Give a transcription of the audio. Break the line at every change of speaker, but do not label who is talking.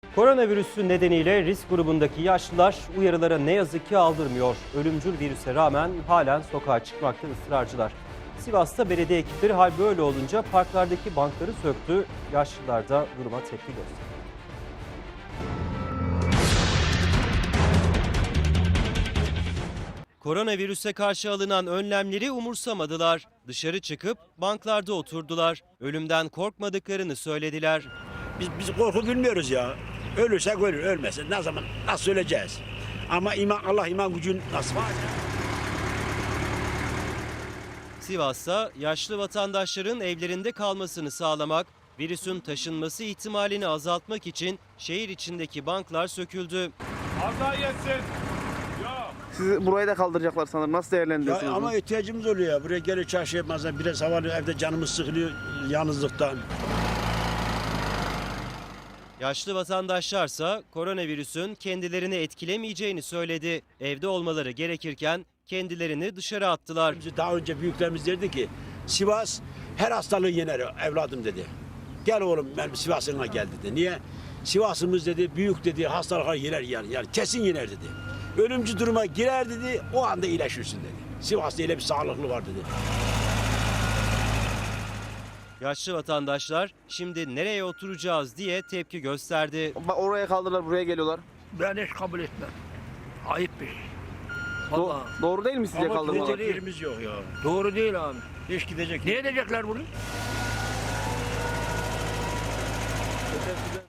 Koronavirüsü nedeniyle risk grubundaki yaşlılar uyarılara ne yazık ki aldırmıyor. Ölümcül virüse rağmen halen sokağa çıkmakta ısrarcılar. Sivas'ta belediye ekipleri hal böyle olunca parklardaki bankları söktü. Yaşlılar da duruma tepki gösterdi. Koronavirüse karşı alınan önlemleri umursamadılar. Dışarı çıkıp banklarda oturdular. Ölümden korkmadıklarını söylediler.
Biz korku bilmiyoruz ya. Ölürsek ölür, ölmezse ne zaman nasıl öleceğiz? Ama Allah iman gücün nasıl var?
Sivas'ta yaşlı vatandaşların evlerinde kalmasını sağlamak, virüsün taşınması ihtimalini azaltmak için şehir içindeki banklar söküldü.
Allah yetsin. Yok.
Sizi burayı da kaldıracaklar sanırım. Nasıl değerlendiriyorsunuz?
Ya ama ihtiyacımız oluyor ya. Buraya gelip çarşı yapmazlar. Biraz havalı evde canımız sıkılıyor yalnızlıktan.
Yaşlı vatandaşlarsa koronavirüsün kendilerini etkilemeyeceğini söyledi. Evde olmaları gerekirken kendilerini dışarı attılar.
Daha önce büyüklerimiz derdi ki Sivas her hastalığı yener evladım dedi. Gel oğlum benim Sivas'ına gel dedi. Niye? Sivas'ımız dedi büyük dedi hastalıkları yener yani kesin yener dedi. Ölümcü duruma girer dedi o anda iyileşirsin dedi. Sivas'ta öyle bir sağlıklı var dedi.
Yaşlı vatandaşlar şimdi nereye oturacağız diye tepki gösterdi.
Bak oraya kaldırırlar, buraya geliyorlar.
Ben hiç kabul etmem. Ayıp bir şey. Vallahi.
Doğru değil mi sizce
Ama
kaldırmalar?
gidecek yerimiz yok ya.
Doğru değil abi.
Hiç gidecek
Ne edecekler bunu?